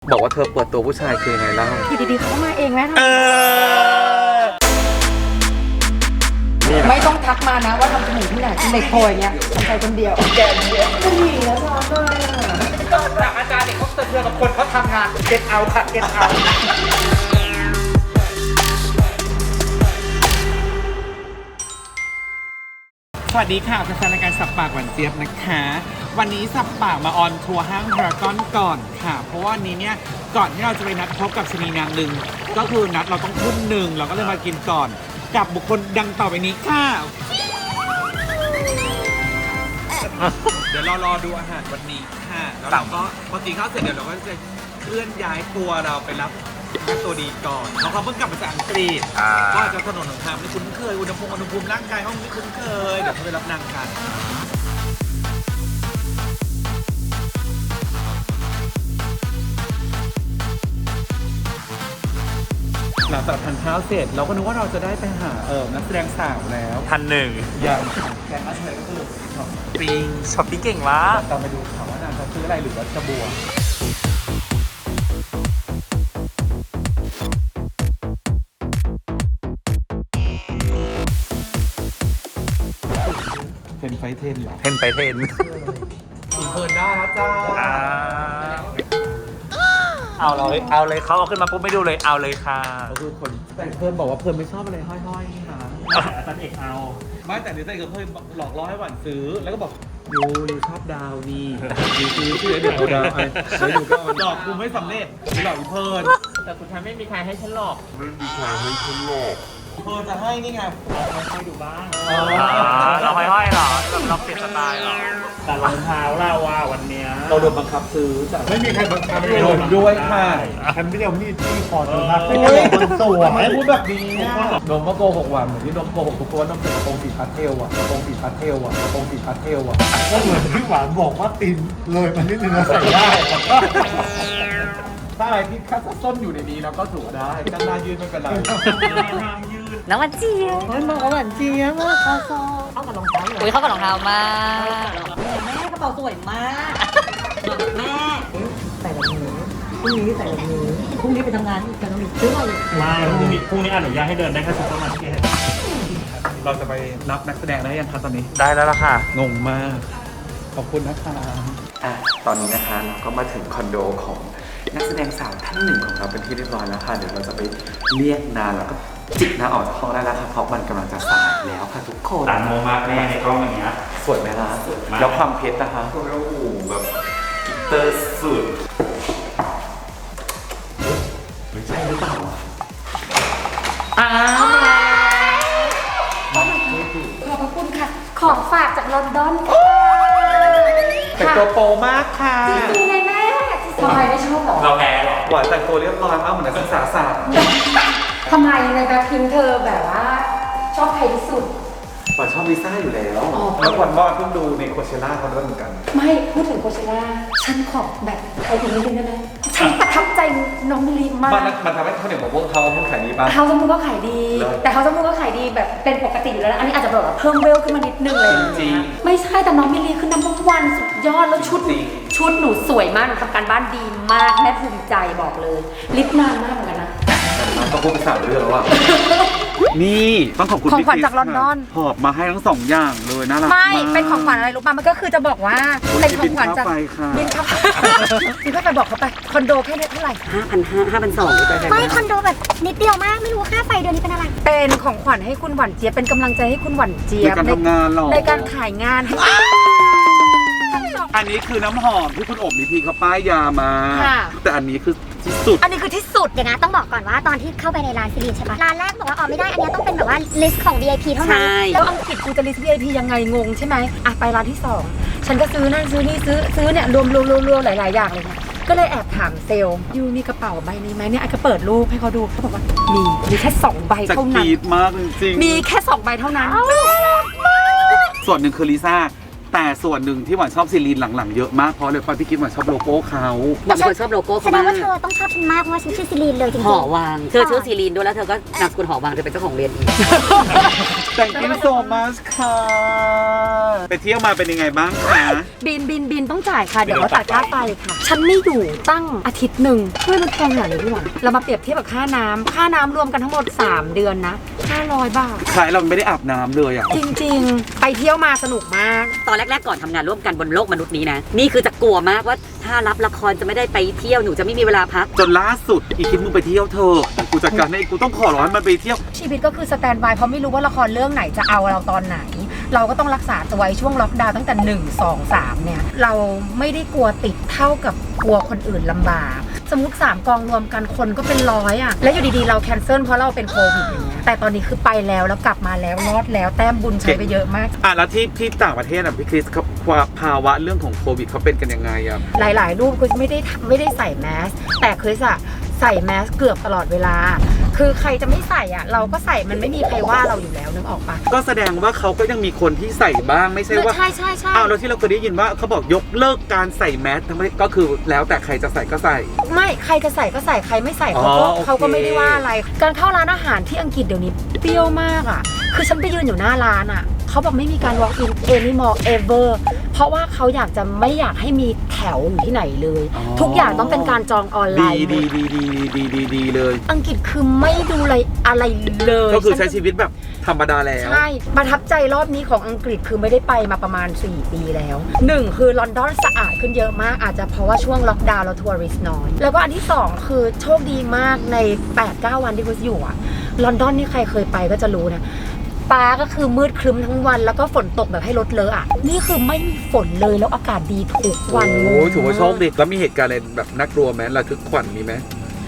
บอกว่าเธอเปิดตัวผู้ชายคือไงเล่าอยู่ดีๆเขามาเองไหมไม่ต้องทักมานะว่าทำจมูกที่ไหนเด็กโพยเงี้ยทำใจคนเดียวแกเนี้ยจะหนีแล้วซ้อนเลยจากอาจารย์เด็กเขาเตือนกับคนเขาทำงานเก็ตเอาค่ะเก็ตเอาสวัสดีค่ะแฟนๆรายการสับปากหวานเจี๊ยบนะคะวันนี้สับปากมาออนทัวร์ห้างพารากอนก่อนค่ะเพราะว่าวันนี้เนี่ยก่อนที่เราจะไปนัดพบกับชนีนางหนึ่งก็คือนัดเราต้องทุ่มหนึ่งเราก็เลยมากินก่อนกับบุคคลดังต่อไปนี้ค่ะเดี๋ยวเรารอดูอาหารวันนี้ค่ะแล้วเราก็พอกินข้าวเสร็จเดี๋ยวเราก็จะเคลื่อนย้ายตัวเราไปรับตัวดีก่อนเพราะเขาเพิ่งกลับมาจากอังกฤษก็อาจจะถนนหนทางไม่คุ้นเคยอุณหภูมิร่างกายเขาไม่คุ้นเคยเดี๋ยวเขาไปรับนางกันหลังจากทานข้าวเสร็จเราก็นึกว่าเราจะได้ไปหานักแสดงสาวแล้วท่านหนึ่งอย่างแกงมัสเตอร์ก็คือช้อปปิ้งเก่งมากตามไปดูค่ะว่านางจะซื้ออะไรหรือว่าจะบวกเทนไฟเทนเหรอเทนไปเทนอินเทิร์นได้แล้วจ้าเอาเลยเขาเอาขึ้นมาปุ๊บไม่ดูเลยเอาเลยค่ะก็คือคนแต่เพิ่มบอกว่าเพิ่มไม่ชอบอะไรห้อยๆนี่นะอาจารย์เอกเอาไม่แต่นี่แต่เพิ่มหลอกล่อให้หวานซื้อแล้วก็บอกยูชอบดาวนี่ยูซื้อเดี๋ยวเอาดาวไอ้แล้วยูก็หลอกกูไม่สำเร็จหลอกอีเพิ่นแต่สุดท้ายไม่มีใครให้ฉันหลอกเพิ่นจะให้นี่ไงให้ดูบ้างเราห้อยๆหรอเราเปลี่ยนสไตล์หรอแต่รองเท้าเราวันนี้เราโดนบังคับซื้อจ้ะไม่มีใครบังคับโดนด้วยค่ะฉันไม่เดียวนี่ที่คอเธอพักไม่ได้บนตัวไม่พูดแบบนี้นมก็โกหกหวานเหมือนที่นมโกหกทุกคนนมเป็นกระโปรงสีพาสเทลกระโปรงสีพาสเทลกระโปรงสีพาสเทลก็เหมือนที่หวานบอกว่าตีนเลยมันนิดนึงใส่ได้ถ้าอะไรที่คัดส้นอยู่ในนี้แล้วก็ถูกได้ด้านหน้ายืดไม่เป็นไรน้ำมันเจี๊ยบน้ำมันเจี๊ยบเข้าซองเข้ากับรองเท้าเลยเข้ากับรองเท้ามากแม่กระเป๋าสวยมากแม่ใส่แบบนี้พรุ่งนี้ใส่แบบนี้พรุ่งนี้ไปทำงานจะต้องมีเสื้อเลยไม่พรุ่งนี้อนุญาตให้เดินได้แค่ซุปเปอร์มาร์เก็ตเราจะไปรับนักแสดงได้ยังคะตอนนี้ได้แล้วล่ะค่ะงงมากขอบคุณนะคะตอนนี้นะคะเราก็มาถึงคอนโดของนักแสดงสาวท่านหนึ่งของเราเป็นที่เรียบร้อยแล้วค่ะเดี๋ยวเราจะไปเรียกนางแล้วก็จิกนางออกจากห้องได้แล้วค่ะเพราะมันกำลังจะสายแล้วค่ะทุกคนต่างโมมากแม่ในกล้องอย่างเงี้ยสวยไหมล่ะแล้วความเพชรนะคะโอ้โหแบบกิตเตอร์สุดไม่ใช่หรือเปล่าขอบพระคุณค่ะของฝากจากลอนดอนค่ะแต่งตัวโปมากค่ะจริงไงแม่ทำไมไม่ชอบหรอเราแพ้หรอหวานแต่งตัวเรียบร้อยมากเหมือนนักศึกษาศาสตร์ทำไมในแบบพิมเธอแบบว่าชอบใครที่สุดหวานชอบลิซ่าอยู่แล้วแล้วหวานว่าเพิ่งดูในโคเชล่าเขาด้วยเหมือนกันไม่พูดถึงโคเชล่าฉันขอแบบใครถึงนิดนึงได้ไหมฉันประทับใจน้องมิลีมากมันทำให้เขาเนี่ยบอกว่าเขาขายดีป่ะเขาสมมุติก็ขายดีแต่เขาสมมุติก็ขายดีแบบเป็นปกติอยู่แล้วอันนี้อาจจะแบบเพิ่มเวลขึ้นมานิดนึงเลยจริงไม่ใช่แต่น้องมิลีคือน้ำวันสุดยอดแล้วชุดหนูสวยมากหนูทำการบ้านดีมากแม่ภูมิใจบอกเลยลิปนานมากเหมือนกันนะก็พูดไป3 เรื่องแล้วอ่ะนี่ต้องขอบคุณของขวัญจากลอนดอนหอบมาให้ทั้ง2 อย่างเลยน่ารักไม่เป็นของขวัญอะไรรู้ป่ะมันก็คือจะบอกว่าเป็นของขวัญจากบินค่าไฟบินค่าไฟบอกเขาไปคอนโดแค่นี้เท่าไหร่ 5,200ไม่คอนโดแบบนิดเดียวมากไม่รู้ค่าไฟเดือนนี้เป็นอะไรเป็นของขวัญให้คุณหวานเจี๊ยบเป็นกำลังใจให้คุณหวานเจี๊ยบในการทำงานหรอในการขายงานให้อันนี้คือน้ำหอมที่คุณอบนิธีเขาป้ายยามาแต่อันนี้คือที่สุดอันนี้คือที่สุดเดี๋ยวนะต้องบอกก่อนว่าตอนที่เข้าไปในร้านซิลินใช่ปะร้านแรกบอกว่าไม่ได้อันนี้ต้องเป็นแบบว่าลิสต์ของ VIP เท่านั้นแล้วอังกฤษกูจะลิสต์ VIP ยังไงงงใช่ไหมอ่ะไปร้านที่2ฉันก็ซื้อนั่นซื้อนี่ซื้อเนี่ยรวมหลายๆอย่างเลยเนี่ยก็เลยแอบถามเซลล์ยูมีกระเป๋าใบนี้ไหมเนี่ยไอ้ก็เปิดรูปให้เขาดูเขาบอกว่ามีแค่2 ใบเท่านั้นมากจริงมีแค่2 ใบเท่านั้นส่วนหนึ่งคือลิซ่าแต่ส่วนหนึ่งที่หวานชอบซีรีนหลังๆเยอะมากเพราะเลยความที่คิดหวานชอบโลโก้เขาบางคนชอบโลโก้แสเขาดมางว่าก เธอต้องชอบฉันมากเพราะว่าฉันชื่อซิลีนเลยจริงหอวังเธอชื่อซีรีนด้วยแล้วเธอก็นามสกุลหอวังเธอเป็นเจ้าของเรียนอีก Thank you so much ค่ะไปเที่ยวมาเป็นยังไงบ้างคะบินต้องจ่ายค่ะ เดี๋ยวเราตัดค่าไฟค่ะ ฉันไม่อยู่ตั้งอาทิตย์หนึ่งเพื่อมันแพงขนาดนี้ด้วยเรามาเปรียบเทียบกับค่าน้ำรวมกันทั้งหมด 3 เดือนนะ 500 บาทขายเราไม่ได้อาบน้ำเลยอ่ะจริงๆ ไปเที่ยวมาสนุกมากตอนแรกๆก่อนทำงานร่วมกันบนโลกมนุษย์นี้นะนี่คือจะกลัวมากว่าถ้ารับละครจะไม่ได้ไปเที่ยวหนูจะไม่มีเวลาพักจนล่าสุดอีคิดมึงไปเที่ยวเธอะกูจัดการให้กูต้องขอร้องให้มันไปเที่ยวชีวิตก็คือสแตนด์บายเพราะไม่รู้ว่าละครเรื่องไหนจะเอาเราตอนไหน เราก็ต้องรักษาตัวไว้ช่วงล็อกดาวน์ตั้งแต่ 1 2 3 เนี่ย เราไม่ได้กลัวติดเท่ากับกลัวคนอื่นลำบาก สมมติ 3 กองรวมกันคนก็เป็นร้อยอะแล้วอยู่ดีๆเราแคนเซิลเพราะเราเป็นโควิดอย่างเงี้ยแต่ตอนนี้คือไปแล้วกลับมาแล้วรอดแล้วแต้มบุญใช้ไปเยอะมากแล้วที่ต่างประเทศอ่ะพี่คริสเขาภาวะเรื่องของโควิดเขาเป็นกันยังไงอ่ะหลายๆรูปคริสไม่ได้ใส่แมสแต่คริสอะใส่แมสเกือบตลอดเวลา คือใครจะไม่ใส่อะเราก็ใส่มันไม่มีใครว่าเราอยู่แล้วนึกออกปะก็แสดงว่าเขาก็ยังมีคนที่ใส่บ้างไม่ใช่ว่าใช่แล้วที่เราเคยได้ยินว่าเขาบอกยกเลิกการใส่แมสทั้งประเทศก็คือแล้วแต่ใครจะใส่ก็ใส่ไม่ใครจะใส่ก็ใส่ใครไม่ใส่อ๋อโอเคเขาก็ไม่ได้ว่าอะไร การเข้าร้านอาหารที่อังกฤษเดี๋ยวนี้เปรี้ยวมากอะคือฉันไปยืนอยู่หน้าร้านอะเขาบอกไม่มีการ walk in anymore ever เพราะว่าเขาอยากจะไม่อยากให้มีแถวอยู่ที่ไหนเลย ทุกอย่างต้องเป็นการจองออนไลน์ดีเลยอังกฤษคือไม่ดูอะไรเลยก็คือใช้ชีวิตแบบธรรมดาแล้วใช่ประทับใจรอบนี้ของอังกฤษคือไม่ได้ไปมาประมาณ 4 ปีแล้ว 1 คือลอนดอนสะอาดขึ้นเยอะมากอาจจะเพราะว่าช่วงล็อกดาวน์แล้วทัวริสต์น้อยแล้วก็อันที่ 2 คือโชคดีมากใน 8-9 วันที่คุณอยู่อะลอนดอนนี่ใครเคยไปก็จะรู้นะฟ้าก็คือมืดครึ้มทั้งวันแล้วก็ฝนตกแบบให้รถเลอะอ่ะนี่คือไม่มีฝนเลยแล้วอากาศดีทุกวันโอ้ยถือว่าโชคดีแล้วมีเหตุการณ์อะไรแบบน่ากลัวไหมระทึกขวัญมีไหม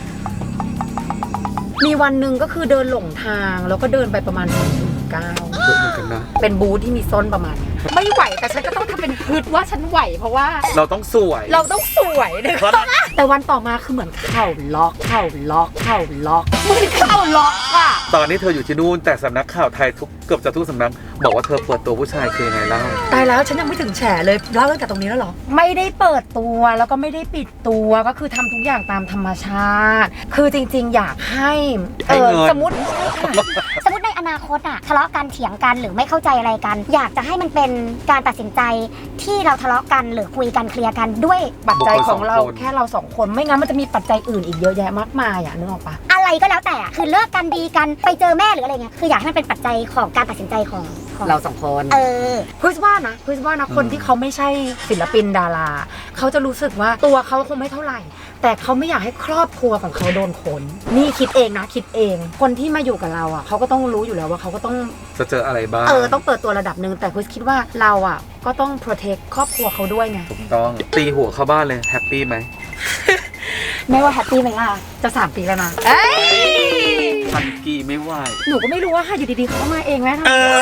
มีวันหนึ่งก็คือเดินหลงทางแล้วก็เดินไปประมาณ2-9 เยอะเหมือนกันนะเป็นบูธที่มีส้นประมาณเนี้ยไม่ไหวแต่ฉันก็ต้องทำเป็นฮึดว่าฉันไหวเพราะว่าเราต้องสวยเราต้องสวยนะคะแต่วันต่อมาคือเหมือนเข่าล็อกเหมือนเข่าล็อกอ่ะตอนนี้เธออยู่ที่นู่นแต่สำนักข่าวไทยเกือบจะทุกสำนักบอกว่าเธอเปิดตัวผู้ชายคือยังไงเล่าตายแล้วฉันยังไม่ถึงแฉเลยเล่าตั้งแต่ตรงนี้แล้วเหรอไม่ได้เปิดตัวแล้วก็ไม่ได้ปิดตัวก็คือทำทุกอย่างตามธรรมชาติ คือจริงๆอยากให้สมมติๆ สมมติในอนาคตอะทะเลาะกันเถียงกันหรือไม่เข้าใจอะไรกัน อยากจะให้มันเป็นการตัดสินใจที่เราทะเลาะกันหรือคุยกันเคลียร์กันด้วยปัจจัยของเราแค่เราสองคนไม่งั้นมันจะมีปัจจัยอื่นอีกเยอะแยะมากมายอ่ะนึกออกปะอะไรก็แล้วแต่อะคือเลิกกันดีกันไปเจอแม่หรืออะไรเงี้ยคืออยากให้มันเป็นปัจจัยของการตัดสินใจของเราสองคนคุยว่านะคนที่เขาไม่ใช่ศิลปินดาราเขาจะรู้สึกว่าตัวเขาคงไม่เท่าไหร่ แต่เขาไม่อยากให้ครอบครัวของเขาโดนคนนี่คิดเองนะคิดเองคนที่มาอยู่กับเราอ่ะเขาก็ต้องรู้อยู่แล้วว่าเขาก็ต้องจะเจออะไรบ้างต้องเปิดตัวระดับหนึ่งแต่คุยคิดว่าเราอ่ะก็ต้อง protect ครอบครัวเขาด้วยไงถูกต้องตีหัวเข้าบ้านเลยแฮปปี้ไหมไม่ว่าแฮปปี้ไหมล่ะจะ3 ปีแล้วนะพันกีไม่ไหวหนูก็ไม่รู้ว่าอยู่ดีๆเขาก็มาเองไหม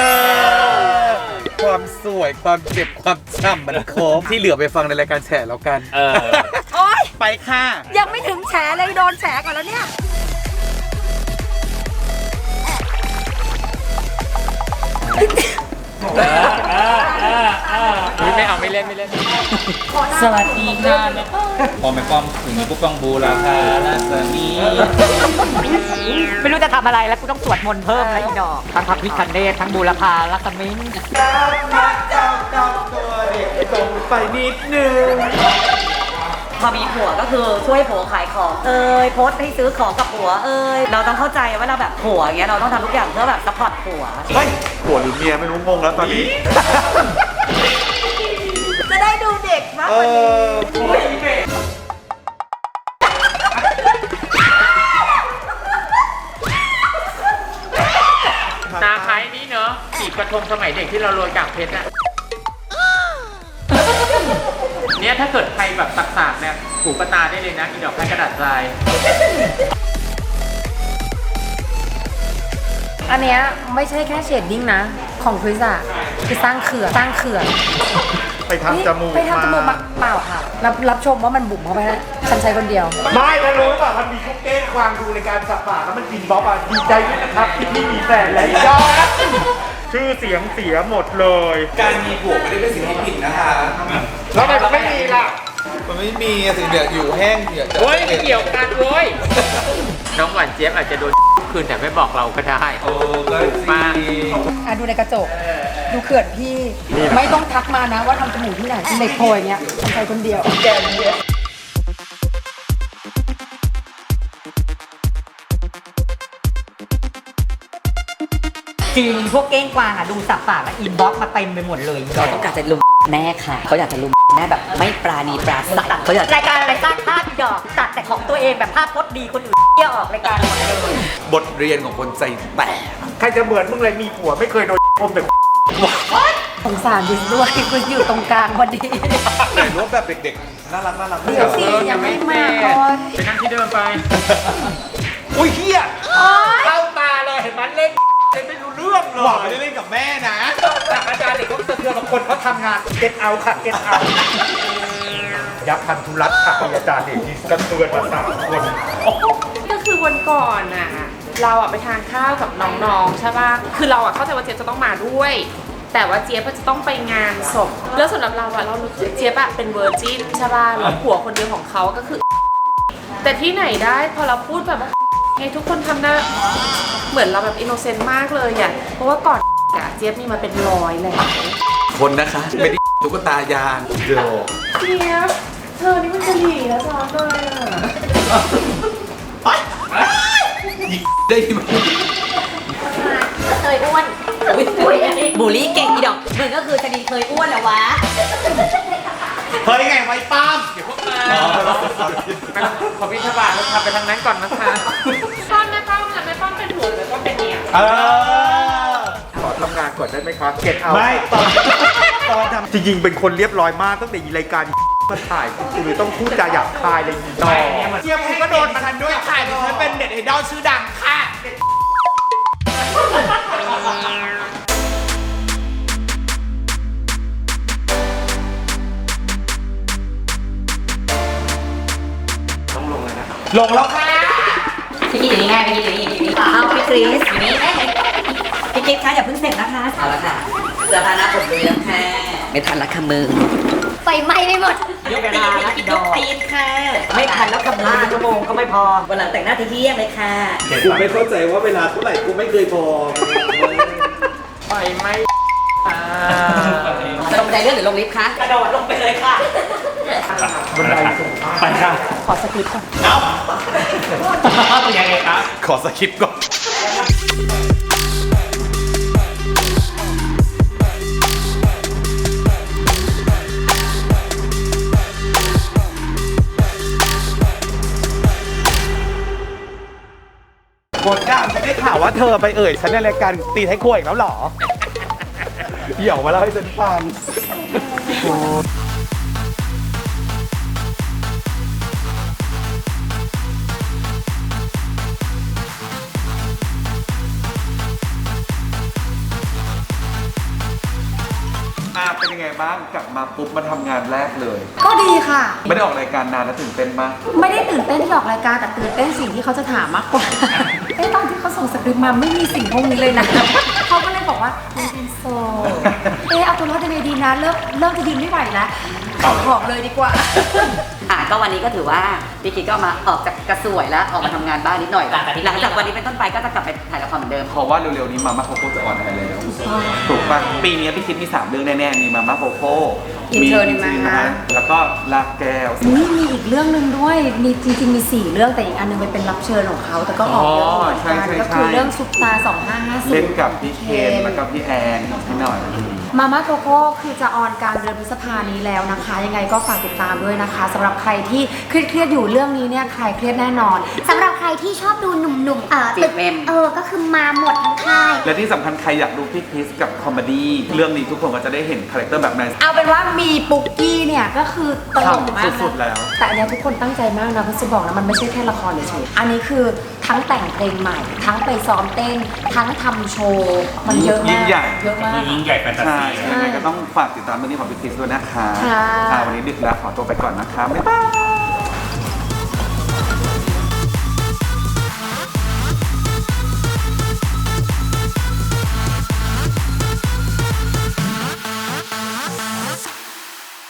ความสวยความเจ็บความช้ำมันครบที่เหลือไปฟังในรายการแฉแล้วกันโอ๊ยไปค่ะยังไม่ถึงแฉเลยโดนแฉก่อนแล้วเนี่ยไม่เอาไม่เล่นสวัสดีค่ะพอไม่ป้อมถึงนี้ปุ๊บต้องบูราคาลาสมีไม่รู้จะทำอะไรแล้วกูต้องสวดมนต์เพิ่มแล้วอีดอกทั้งพระพิฆเนศทั้งบูรพาลักษมิงไปนิดนึงพอมีผัวก็คือช่วยผัวขายของโพสต์ให้ซื้อของกับผัวเราต้องเข้าใจว่าเราแบบผัวอย่างเงี้ยเราต้องทำทุกอย่างเพื่อแบบซัพพอร์ตผัวเฮ้ยผัวหรือเมียไม่รู้งงแล้วตอนนี้จะได้ดูเด็กมากกว่านี้ตาคล้ายนี่เนอะจีบกระทงสมัยเด็กที่เราโรยกากเพชรอะเนี่ยถ้าเกิดใครแบบตักๆเนี่ยถูกกระตาได้เลยนะอีดอกไม้กระดาษทรายอันเนี้ยไม่ใช่แค่เชดดิ้งนะ ของคริสอะคือสร้างเขื่อนไปทำจมูกไปทำจมูกมาเปล่าค่ะรับชมว่ามันบุ๋มเข้าไปแล้วฉันใช้คนเดียวไม่แล้วรู้ป่ะมันมีคุกเก้งควางดูในการสับปากแล้วมันกินบ๊อบอ่ะดีใจด้วยนะครับที่พี่มีแฟนแล้วยอดชื่อเสียงเสียหมดเลยการมีผัวไม่ได้เป็นสิ่งที่ผิดนะคะแล้วทำไมมันไม่มีล่ะมันไม่มีสิเดี๋ยวอยู่แห้งเดี๋ยวโอ้ยไม่เกี่ยวกันโว้ยน้องหวานเจี๊ยบอาจจะโดนคืนแต่ไม่บอกเราก็ได้โอ้ก็มาดูในกระจก ดูเขื่อนพี่ ไม่ต้องทักมานะว่าทำจมูกที่ไหนเด็กโพยเงี้ยทำใจคนเดียวแกคนเดียวจริงพวกเก้งกวางอ่ะดูสับปากอ่ะอินบ็อกมาเต็มไปหมดเลยเขาต้องการจะลุมแม่ค่ะเขาอยากจะลุมแม่แบบไม่ปราณีปราศัยเขาอยากรายการอะไรสร้างภาพดอกตัดแต่ของตัวเองแบบภาพพจน์ดีคนอื่นเที่ยวออกรายการหมดเลยบทเรียนของคนใจแตกใครจะเหมือนมึงเลยมีผัวไม่เคยโดนคมแต่สงสารดิสด้วยคุณอยู่ตรงกลางพอดีถ่ายรูปแบบเด็กๆ น่ารักไม่เดี๋ยวสิยังไม่มาก่อนไปนั่งที่เดิมไปอุ้ยเฮียเข้าตาเลยเห็นมันเล่นไม่รู้เรื่องเลหวังไม่ได้เล่นกับแม่นะจากอาจารย์เด็กเขาสะเทือนบางคนเขาทำงานเก็ตเอาค่ะเก็ตเอายับพันธุรัตน์ค่ะอาจารย์เด็กนี่กระเทือนมา3 คนก็คือวันก่อนน่ะเราอะไปทานข้าวกับน้องๆใช่ป่ะคือเราอะเข้าใจว่าเจี๊ยบจะต้องมาด้วย แต่ว่าเจี๊ยบจะต้องไปงานศพแล้วสำหรับเราอะเราเจี๊ยบอะเป็นเวอร์จินใช่ป่ะแล้วผัวคนเดียวของเขาก็คือ แต่ที่ไหนได้พอเราพูดแบบว่าให้ทุกคนทำหน้าเหมือนเราแบบอินโนเซนต์มากเลยอะเพราะว่าก่อนอะเจี๊ยบมีมาเป็นร้อยแล้วคนนะคะไม่ได้ตุ๊กตายางเดี๋ยวเจี๊ยบเธอนี่มันจะหลีแล้วซ้อนเลยอะได้ไหมเคยอ้วนอุ้ยบูลลี่เก่งอีดอกมึงก็คือจะดีเคยอ้วนเหรอวะเฮ้ยไงไว้ป้ามขอพิธบาทเราทำไปทางนั้นก่อนนะคะป้อมแม่ป้อมนะแม่ป้อมเป็นผัวหรือแม่ป้อมเป็นเมียขอทำงานก่อนได้ไหมครับเก็ตเอาไม่ตอนทำจริงๆเป็นคนเรียบร้อยมากตั้งแต่รายการมาถ่ายกูเลยต้องพูดจาหยาบคายเลยอีดอกเจี๊ยบคุณก็โดนมาทันด้วยค่ะดิฉันเป็นเน็ตไอดอลชื่อดังค่ะ ลงแล้วค่ะพี่กิ๊กอยู่นี่ไงพี่กิ๊กอยู่นี่เอาพี่คริสอยู่นี่พี่กิ๊กคะอย่าเพิ่งเสร็จนะคะเอาละค่ะเสื้อผ้าหน้าผมดูยังค่ะไม่ทันละค่ะมึงไฟไหม้ไปหมดยกตีนค่ะยกตีนค่ะ ไม่ทันแล้วค่ะมึง1 ชั่วโมงก็ไม่พอวันหลังแต่งหน้าที่เที่ยงเลยค่ะกูไม่เข้าใจว่าเวลาเท่าไหร่กูไม่เคยพอไฟไหม้จะลงบันไดเลื่อนหรือลงลิฟต์คะกระโดดลงไปเลยค่ะบันไดสูงไปค่ะขอสคริปต์ก่อนยังไงครับขอสคริปต์ก่อน บทด่างได้ข่าวว่าเธอไปเอ่ยฉันในรายการตีไทยครัวอีกแล้วเหรอ เดี๋ยวมาเล่าให้ฉันฟัง เป็นยังไงบ้างกลับมาปุ๊บมาทำงานแรกเลยก็ดีค่ะไม่ได้ออกรายการนานแล้วตื่นเต้นมากไม่ได้ตื่นเต้นที่ออกรายการแต่ตื่นเต้นสิ่งที่เขาจะถามมากกว่า ตอนที่เขาส่งสคริปต์มาไม่มีสิ่งพวกนี้เลยนะ เขาก็เลยบอกว่ามันเป็นโซเอาตัวรอดยังไงดีนะเริ่มจะยืนไม่ไหวแล้วขอเลยดีกว่าก็วันนี้ก็ถือว่าพี่กิ๊กก็มาออกจากกระสวยแล้วออกมาทำงานบ้านนิดหน่อยหลังจากวันนี้เป็นต้นไปก็จะกลับไปถ่ายละครเหมือนเดิมเพราะว่าเร็วๆนี้มาม่าโคโค่จะออนแอร์แล้วถูกป่ะปีนี้พี่คิดมี 3 เรื่องแน่ๆ มีมาม่าโคโค่ Intern มาแล้วก็ลากแก้วนี่มีอีกเรื่องหนึ่งด้วย มีจริงๆมี 4 เรื่องแต่อีกอันนึงไปเป็นรับเชิญของเขาแต่ก็ออกเยอะเหมือนกันก็คือเรื่องซุปตา 2550 เล่นกับพี่เคนแล้วก็พี่แอนพี่หน่อยมาม่าโกโก้คือจะออนกลางเดือนพฤษภานี้แล้วนะคะ ยังไงก็ฝากติดตามด้วยนะคะสำหรับใครที่เครียดๆอยู่เรื่องนี้เนี่ยใครเครียดแน่นอนสำหรับใครที่ชอบดูหนุ่มๆติดเมมก็คือมาหมดทั้งค่ายและที่สำคัญใครอยากดูพี่คริสกับคอมเมดี้เรื่องนี้ทุกคนก็จะได้เห็นคาแรคเตอร์แบบไหนเอาเป็นว่ามีปุกกี้เนี่ยก็คือตลกมากนะสุดๆแล้วแต่อันเนี้ยทุกคนตั้งใจมากนะเพราะจะบอกนะมันไม่ใช่แค่ละครเฉยๆอันนี้คือทั้งแต่งเพลงใหม่ ทั้งไปซ้อมเต้น ทั้งทำโชว์มันเยอะยิ่มากงใหญ่เยอะมากยิ่งใหญ่แฟนตาใช่ซียังไงก็ต้องฝากติดตามเรื่องนี้ของพี่คริสด้วยนะคะค่ะวันนี้ดึกแล้วขอตัวไปก่อนนะคะบ๊ายบาย